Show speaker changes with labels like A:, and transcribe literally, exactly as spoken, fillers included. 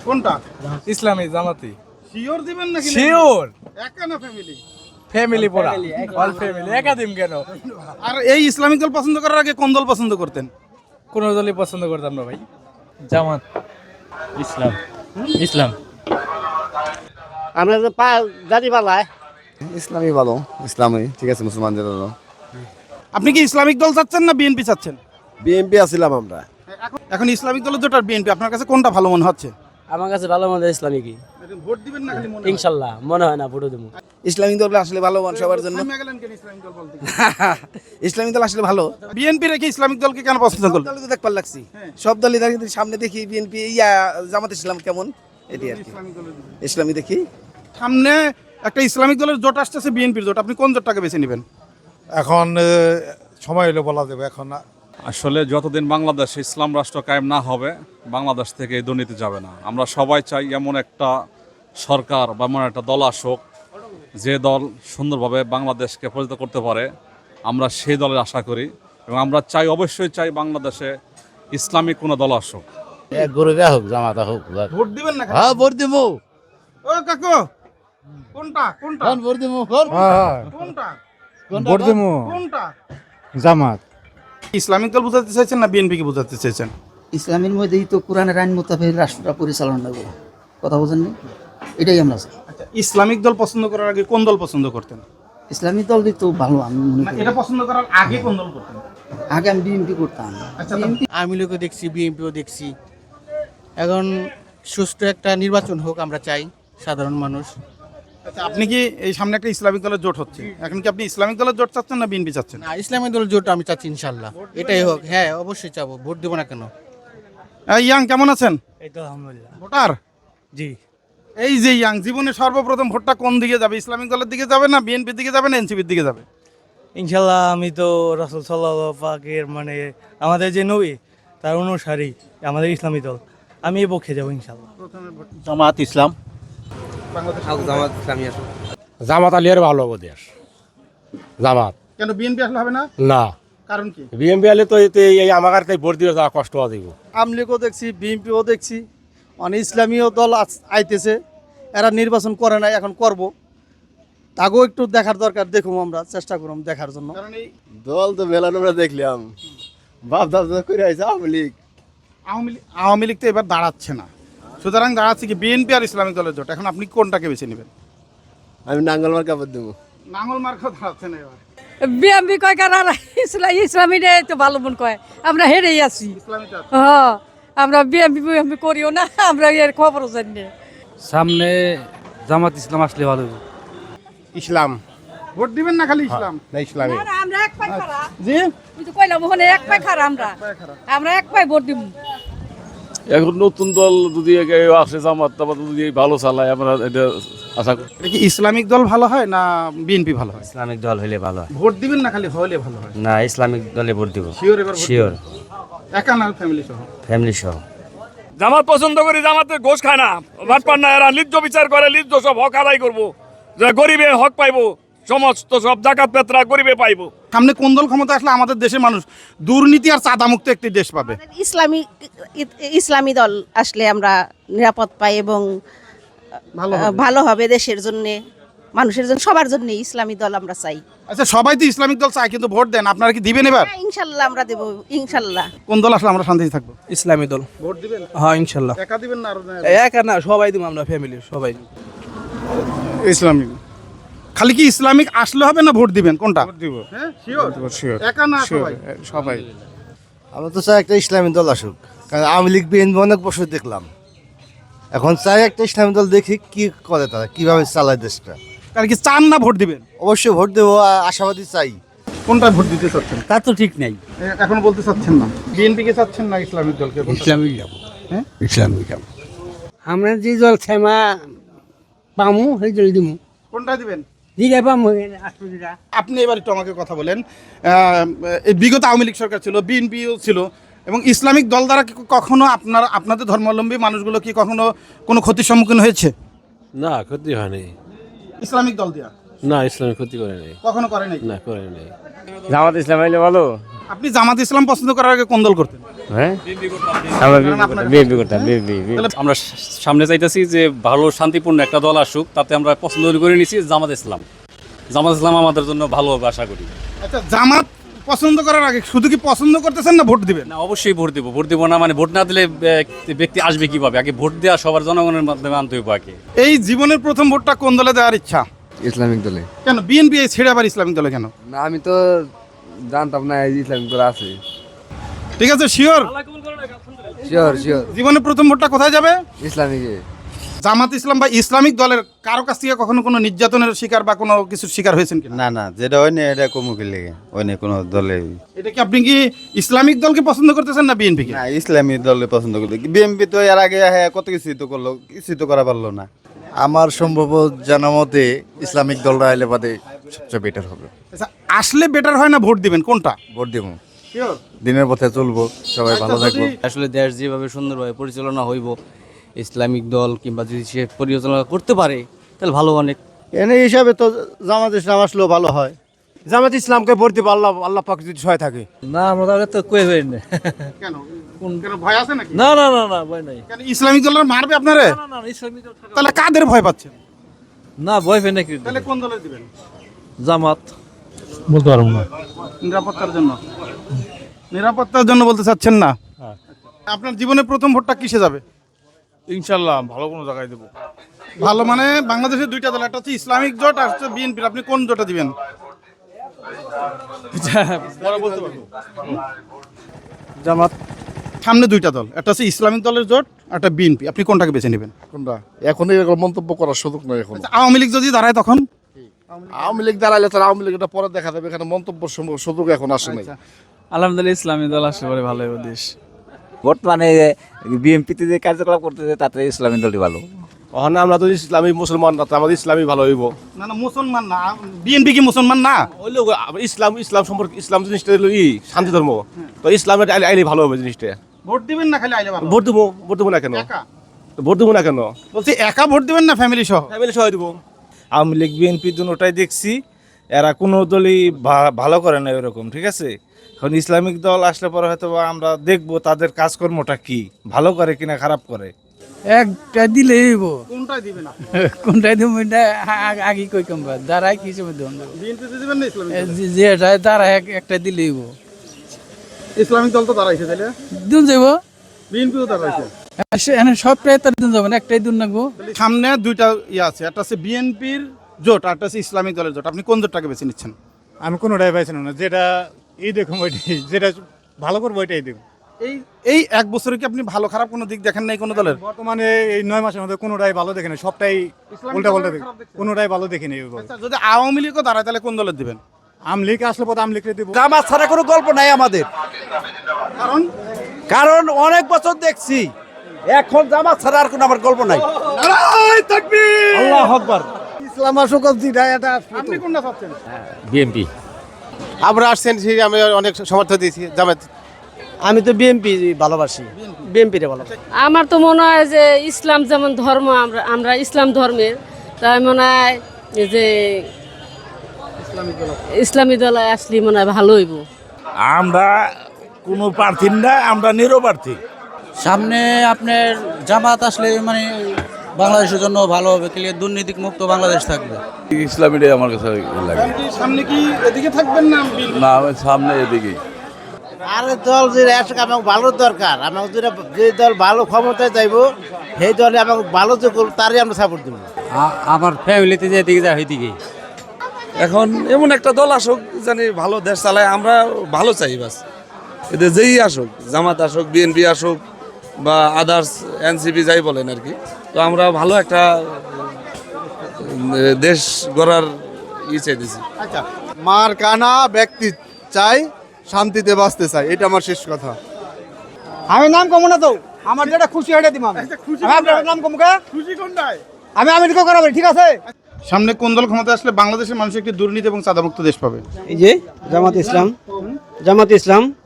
A: কোনটা?
B: ইসলামী জামাতি।
A: শিওর দিবেন নাকি?
B: শিওর।
A: একা না ফ্যামিলি?
B: ফ্যামিলি পুরা, অল ফ্যামিলি। একাদিন কেন?
A: আর এই ইসলামিক দল পছন্দ করার আগে কোন দল পছন্দ করতেন?
B: কোন দলই পছন্দ করতাম না ভাই।
C: জামাত। ইসলাম। ইসলাম।
D: আমরা যে পা জাতি পালায়
E: ইসলামী ভালো, ইসলামী ঠিক আছে মুসলমানদের জন্য।
A: আপনি কি ইসলামিক দল চাচ্ছেন না বিএনপি চাচ্ছেন?
E: বিএনপি আছিলাম আমরা।
A: এখন এখন ইসলামিক দলের জোট আর বিএনপি, আপনার কাছে কোনটা ভালো মনে হচ্ছে?
D: আমার কাছে ভালো মনে হয় ইসলামিকই।
A: ভোট দিবেন না খালি মনে?
D: ইনশাল্লাহ মনে হয় না ভোট দেবো।
E: ইসলামিক দল আসলে ভালো সবার জন্য।
A: ইসলামিক দল বলতে
E: ইসলামিক দল আসলে ভালো।
A: বিএনপি রেখে ইসলামিক দলকে কেন পছন্দ করলেন?
E: দলকে দেখবার লাগছি, সব দলই দেখি, সামনে দেখি বিএনপি ইয়া জামাত ইসলাম কেমন এটি আর কি। ইসলামী দেখি।
A: সামনে একটা ইসলামিক দলের জোট আসতেছে, বিএনপির জোট, আপনি কোন জোটটাকে বেছে নেবেন?
B: এখন সময় হলে বলা যাবে, এখন না।
F: আসলে যতদিন বাংলাদেশে ইসলাম রাষ্ট্র কায়েম না হবে, বাংলাদেশ থেকে এই দুর্নীতি যাবে না। আমরা সবাই চাই এমন একটা সরকার বা এমন একটা দল আসুক যে দল সুন্দরভাবে বাংলাদেশকে পরিচালিত করতে পারে। আমরা সেই দলের আশা করি এবং আমরা চাই, অবশ্যই চাই বাংলাদেশে ইসলামিক কোনো দল আসুক।
D: গরুটা হোক জামাতা হোক।
A: ভোট দিবেন না?
D: হ্যাঁ ভোট দেবো।
A: ও কাকু, কোনটা কোনটা
D: ভোট দেবো।
A: কোনটা
B: ভোট দেবো
A: কোনটা?
B: জামাত।
A: ইসলামিক দল বুঝাতে চাইছেন না বিএনপি কে বুঝাতে চাইছেন?
G: ইসলামের মধ্যেই তো কোরআনের আইন মোতাবেক রাষ্ট্রটা পরিচালনা করবো, কথা বোঝেন না? এটাই আমরা চাই।
A: আচ্ছা, ইসলামিক দল পছন্দ করার আগে কোন দল পছন্দ করতেন?
G: ইসলামী দল তো ভালো, আমি মনে
A: না,
G: করি।
A: এটা পছন্দ করার আগে কোন দল করতেন?
G: আগে আমি বিএনপি করতাম।
A: আচ্ছা,
H: আওয়ামী লীগও দেখছি, বিএনপিও দেখছি। এখন সুষ্ঠু একটা নির্বাচন হোক আমরা চাই, সাধারণ মানুষ।
A: আচ্ছা, আপনি কি এই সামনে একটা ইসলামিক দলের জোট হচ্ছে, এখন কি আপনি ইসলামিক দলের জোট চাচ্ছেন না বিএনপি চাচ্ছেন?
H: না, ইসলামী দল জোট আমি চাচ্ছি ইনশাল্লাহ, এটাই হোক। হ্যাঁ অবশ্যই চাবো, ভোট দেবো না কেন।
A: ইয়াং কেমন আছেন?
B: এই তো আলহামদুলিল্লাহ।
A: ভোটার?
B: জি।
A: এই যে ইয়াং, জীবনে সর্বপ্রথম ভোটটা কোন দিকে যাবে? ইসলামিক দলের দিকে যাবে না বিএনপির দিকে যাবে না এনসিপির দিকে যাবে?
B: ইনশাল্লাহ আমি তো রাসূল সাল্লাল্লাহু পাকের মানে আমাদের যে নবী তার অনুসারী, আমাদের ইসলামী দল, আমি এই পক্ষে যাবো ইনশাল্লাহ।
D: জামাত ইসলাম।
E: জামাত ইসলামী আসুক।
D: জামাত আলিয়ার ভালো হবে দেশ। জামাত
A: কেন বিএনপি আসলে হবে না?
D: না,
A: কারণ কি?
D: বিএমপি আলে তো এই আমার তাই ভোট দিয়ে যাওয়া কষ্ট হওয়া দিব।
H: আওয়ামী লীগও দেখছি, বিএনপিও দেখছি, মানে ইসলামীয় দল আইতেছে, এরা নির্বাচন করে নাই, এখন করব। তাকেও একটু দেখার দরকার, দেখুন আমরা চেষ্টা করুন দেখার জন্য।
A: কারণ এই
E: দল তো মেলানো আমরা দেখলাম, বাপ দাপ করে আছে আওয়ামী লীগ।
A: আওয়ামী লীগ আওয়ামী লীগ তো এবার দাঁড়াচ্ছে না, সুতরাং দাঁড়াচ্ছে কি বিএনপি আর ইসলামিক দলের জোট। এখন আপনি কোনটাকে বেছে নেবেন?
E: আমি নাঙ্গল মার কাপড় দেবো।
A: নাঙ্গল মার্কা দাঁড়াচ্ছে না এবার।
I: বিএমপি কয় কারণ ইসলামী তো ভালো মন কয়, আমরা হেরেই আছি।
A: ইসলামিক দল।
I: হ্যাঁ, আমরা বিএমপি বিএমপি করিও না, আমরা এর খবরও জানি না।
C: সামনে জামাত ইসলাম আসলে ভালো।
E: ইসলাম।
A: ভোট দিবেন না খালি ইসলাম?
E: না ইসলামী।
I: আমরা এক পাই খারা,
A: জি,
I: তুই তো কইলাম ওখানে এক পাই খারা, আমরা আমরা এক পাই ভোট দিব।
J: এখন নতুন দল যদি আসে, জামাত টামাত যদি ভালো চালায়, আমরা এটা আশা করি।
A: এটা কি ইসলামিক দল ভালো হয় না বিএনপি ভালো হয়?
D: ইসলামিক দল হইলে ভালো হয়।
A: ভোট দিবেন না খালি হলে ভালো হয়?
D: না, ইসলামিক দলে ভোট দিব।
A: শিওর এবার ভোট
D: শিওর।
A: দিবেন? একা না ফ্যামিলি সহ?
D: ফ্যামিলি সহ।
J: জামাত পছন্দ করি, জামাতে ঘোষ খায় না, বাটপার না, এরা লিজ্জ বিচার করে, লিজ্জ সব হক আদায় করবো, যে গরিবে হক পাইবো, সমস্ত সব জাকাত পেত্রা গরিবে পাইবো।
A: সামনে কোন দল ক্ষমতা আসলে আমাদের দেশের মানুষ দুর্নীতি আর চাঁদা মুক্ত একটি দেশ পাবে?
K: ইসলামী ইসলামী দল আসলে আমরা নিরাপদ পাই এবং
A: ভালো হবে।
K: ভালো হবে দেশের জন্য, মানুষের জন্য, সবার জন্য ইসলামী দল আমরা চাই।
A: আচ্ছা, সবাই তো ইসলামিক দল চায়, কিন্তু ভোট দেন, আপনারা কি দিবেন এবার?
K: হ্যাঁ, ইনশাল্লাহ আমরা দেব, ইনশাল্লাহ।
A: কোন দল আসলে আমরা শান্তিতে থাকবো?
B: ইসলামী দল।
A: ভোট দিবেন?
B: হ্যাঁ ইনশাল্লাহ।
A: একা দিবেন না আরো?
B: একা না, সবাই দিব, আমরা ফ্যামিলি সবাই।
A: ইসলামিক। খালি কি ইসলামিক আসলে হবে না ভোট দিবেন? কোনটা?
B: ভোট দিব।
A: হ্যাঁ শিওর। একা না সবাই?
B: সবাই।
E: আমরা তো চাই একটা ইসলামী দল আসুক, কারণ আওয়ামী লীগ বিএনপি অনেক বছর দেখলাম। এখন চাই একটা ইসলামী দল, দেখি কি করে তারা, কিভাবে চালায় দেশটা।
A: কারণ কি চান না ভোট দিবেন?
E: অবশ্যই ভোট দেবো, আশাবাদী চাই।
A: কোনটা ভোট দিতে চাচ্ছেন?
H: তা তো ঠিক নাই।
A: এ- এখন বলতে চাচ্ছেন না? বিএনপি কে চাচ্ছেন না ইসলামিক দলকে?
H: ইসলামিক যাবো।
A: হ্যাঁ?
H: ইসলামিক যাবো। আমরা যে দল ক্ষমা পামু সেই দল দিব।
A: কোনটা দিবেন?
H: দিলে পামু।
A: আপনি এবার একটু আমাকে কথা বলেন। আহ, এই বিগত আওয়ামী লীগ সরকার ছিল, বিএনপিও ছিল, এবং ইসলামিক দল দ্বারা কি কখনো আপনার আপনাদের ধর্মাবলম্বী মানুষগুলো কি কখনো কোনো ক্ষতির সম্মুখীন হয়েছে?
J: না, ক্ষতি হয়নি।
A: ইসলামিক দল দিয়া
J: না, ইসলামী ক্ষতি করে নাই,
A: কখনো করে নাই?
J: না করে নাই।
D: জামাত ইসলাম হইলে ভালো।
A: আপনি জামাত ইসলাম পছন্দ করার আগে কোন দল করতেন?
D: হ্যাঁ
C: আমরা সামনে চাইতেছি যে ভালো শান্তিপূর্ণ একটা দল আসুক, তাতে আমরা পছন্দ করে নিছি জামাত ইসলাম। জামাত ইসলাম আমাদের জন্য ভালো হবে আশা করি।
A: আচ্ছা, জামাত পছন্দ করার আগে শুধু কি পছন্দ করতেছেন না ভোট দিবেন?
C: না, অবশ্যই ভোট দিব। ভোট দিব না মানে ভোট না দিলে আহ, ব্যক্তি আসবে কিভাবে? আগে ভোট দেওয়া সবার জনগণের মাধ্যমে আনতে হবে আগে।
A: এই জীবনের প্রথম ভোটটা কোন দলে দেওয়ার ইচ্ছা?
E: ইসলামিক দলে।
A: কেন বিএনপি ছেড়ে আবার ইসলামিক দলে কেন?
E: না আমি তো জানতাম না ইসলামিক দল আছে।
A: ঠিক আছে, শিওর
E: শিওর শিওর
A: জীবনের প্রথম ভোটটা কোথায় যাবে?
E: ইসলামিকে।
A: জামাত ইসলাম বা ইসলামিক দলের কারো কাছ থেকে কখনো কোনো নির্যাতনের শিকার বা কোনো কিছুর শিকার হয়েছেন কিনা?
E: না না, যেটা হয় না এটা কমুকে লেগে হয় না কোনো দলে।
A: এটা কি আপনি কি ইসলামিক দলকে পছন্দ করতেছেন না বিএনপি কে?
E: না, ইসলামী দলে পছন্দ করতে। বিএনপি তো এর আগে হ্যাঁ কত কিছু তো করলো, কিছু তো করা পারলো না। আমার সম্ভব জানা মতে ইসলামিক দলরা এলে বাদে সবচেয়ে বেটার হবে।
A: আচ্ছা, আসলে বেটার হয় না ভোট দিবেন কোনটা?
E: ভোট দিব,
A: শিওর
E: দিনের পথে চলবো, সবাই ভালো থাকবো।
C: আসলে দেশ যেভাবে সুন্দরভাবে পরিচালনা হইব, ইসলামিক দল কিংবা যদি সে পরিচালনা করতে পারে তাহলে ভালো অনেক।
H: এনে হিসাবে তো জামাত ইসলাম আসলেও ভালো হয়।
D: জামাত ইসলামকে ভোট দিব, আল্লাহ আল্লাহ পাক যদি সহায় থাকে।
C: না, আমরা তাহলে তো কই হই না।
A: কেন কেন ভয় আছে নাকি?
C: না না না না ভয় নাই।
A: কেন ইসলামিক দলরা মারবে আপনারে?
C: না না ইসলামিক দল
A: তাহলে কাদের ভয় পাচ্ছেন?
C: না, ভয় পেয়ে নাকি?
A: তাহলে কোন দলে দিবেন?
C: জামাত।
B: বলতে পারবো না।
A: নিরাপত্তার জন্য? নিরাপত্তার জন্য বলতে চাচ্ছেন না? আপনার জীবনের প্রথম ভোটটা কিসে যাবে?
D: ইনশাল্লাহ ভালো কোনো জায়গায় দেবো।
A: ভালো মানে বাংলাদেশের দুইটা দল, একটা হচ্ছে ইসলামিক জোট আর হচ্ছে বিএনপি। আপনি কোন জোটে দিবেন?
H: জামাত।
A: সামনে দুইটা দল, একটা হচ্ছে ইসলামিক দলের জোট, একটা বিএনপি। আপনি কোনটাকে বেছে নেবেন?
E: কোনটা এখন এরকম মন্তব্য করার সুযোগ নয় এখন।
A: আচ্ছা, আওয়ামী লীগ যদি দাঁড়ায় তখন?
E: আওয়ামী লীগ দাঁড়াইলে তার আওয়ামী লীগটা পরে দেখা যাবে, এখানে মন্তব্য সুযোগ এখন আসে নাই।
C: আলহামদুলিল্লাহ ইসলামী দল আসলে পরে ভালো হবে দেশ।
B: বর্তমানে বিএনপিতে যে কার্যকলাপ করতেছে তাতে ইসলামী দলই ভালো।
D: ওখানে আমরা তো ইসলামী মুসলমান না, তো আমাদের ইসলামী ভালো হইব।
A: না না, মুসলমান না। বিএনপি কি মুসলমান না?
D: হইলো ইসলাম, ইসলাম সম্পর্কে ইসলাম জিনিসটা হলো ই শান্তি ধর্ম, তো ইসলামের আইলে আইলে ভালো হবে জিনিসটা।
A: ভোট দিবেন না খালি আইলে ভালো?
D: ভোট দেবো, ভোট দেবো না কেন?
A: একা?
D: ভোট দেবো না কেন?
A: বলছি একা ভোট দিবেন না ফ্যামিলি সহ?
D: ফ্যামিলি সবাই দেবো।
B: আওয়ামী লীগ বিএনপি দুটোটাই দেখছি, এরা কোনো দলই ভা- ভালো করে না এরকম, ঠিক আছে। এখন ইসলামিক দল আসলে পরে হয়তো বা আমরা দেখবো তাদের কাজকর্মটা কি, ভালো করে কিনা খারাপ করে।
H: একটা দিলেই
A: কোনটাই দিবেন আপনি?
H: কোনটাই দেবো এটা আগে কই কমবা দাঁড়ায় কি সময় দেবো
A: বিএনপিতে দিবেন না ইসলামিক দলে?
H: যেটা দাঁড়ায় একটা দিলেই
A: ইসলামিক দল তো দাঁড়াইছে, তাইলে
H: দিন যাবো
A: বিএনপিও দাঁড়াইছে।
H: সবটাই তার দিন যাবো না, একটাই দিন রাখবো।
A: সামনে দুইটা ইয়ে আছে, একটা হচ্ছে বিএনপির জোট আর একটা হচ্ছে ইসলামিক দলের জোট। আপনি কোন জোটটাকে বেছে নিচ্ছেন?
D: আমি কোনোটাই পাইছি না, যেটা এই দেখুন ওইটাই, যেটা ভালো করবো ওইটাই দেখুন।
A: এই এই এক বছরে কি আপনি ভালো খারাপ কোনো দিক দেখেন নাই কোনো দলের?
D: বর্তমানে এই নয় মাসের মধ্যে কোনোটাই ভালো দেখে না, সবটাই উল্টা পাল্টা দেখে, কোনোটাই ভালো দেখে নেই।
A: আচ্ছা, যদি আওয়ামী লীগও দাঁড়ায় তাহলে কোন দলের দিবেন?
D: আওয়ামী লীগ আসলে পথে আওয়ামী লীগকে দেবো।
H: জামাত ছাড়া কোনো গল্প নাই আমাদের,
A: কারণ
H: কারণ অনেক বছর দেখছি। এখন জামাত ছাড়া আর কোনো আমার গল্প নাই। আল্লাহু আকবার। ইসলাম আসুক, এটা
A: আপনি কোনটা চাচ্ছেন?
C: বিএনপি।
D: আমরা আসছেন, আমি অনেক সমর্থন দিয়েছি জামাত।
H: আমি তো বিএনপি ভালোবাসি, বিএনপি রে ভালোবাসি।
I: আমার তো মনে হয় যে ইসলাম যেমন ধর্ম, আমরা আমরা ইসলাম ধর্মের, তাই মনে হয় যে ইসলামী দল আসলে মনে হয় ভালো হইব।
B: আমরা কোনো প্রার্থী না, আমরা নিরপ্রার্থী।
C: সামনে আপনার জামাত আসলে মানে বাংলাদেশের জন্য ভালো হবে, ক্লিয়ার দুর্নীতি মুক্ত বাংলাদেশ থাকবে।
J: ইসলামীটাই আমার কাছে লাগে।
A: আপনি সামনে কি এদিকে থাকবেন না বিএনপি?
J: না, আমি সামনে এদিকেই।
H: আরে দল যে আসুক, আমাকে ভালো দরকার। আমাকে যেটা যে দল ভালো ক্ষমতায় যাইব সেই দলে আমাকে ভালো যে করবো তারই আমরা সাপোর্ট দেবো।
C: আমার ফ্যামিলিতে যে দিকে যায় ওইদিকে।
J: এখন এমন একটা দল আসুক জানি ভালো দেশ চালায়, আমরা ভালো চাই বাস। এদের যেই আসুক, জামাত আসুক, বিএনপি আসুক বা আদার্স এনসিপি যাই বলেন আর কি, তো আমরা ভালো একটা দেশ গড়ার ই চাইতেছি।
A: আচ্ছা,
E: মার কানা ব্যক্তি চাই, শান্তিতে বাঁচতে চাই, এটা আমার শেষ কথা।
H: আমি নাম কমো না তো, আমার যেটা খুশি হেঁটে দিব। আমি আপনার নাম কমো কা?
A: খুশি কোনটায়?
H: আমি আমেরিকা করাবো, ঠিক আছে।
A: সামনে কোন দল ক্ষমতা আসলে বাংলাদেশের মানুষ একটি দুর্নীতি এবং চাঁদামুক্ত দেশ পাবে?
H: এই যে জামাত ইসলাম, জামাত ইসলাম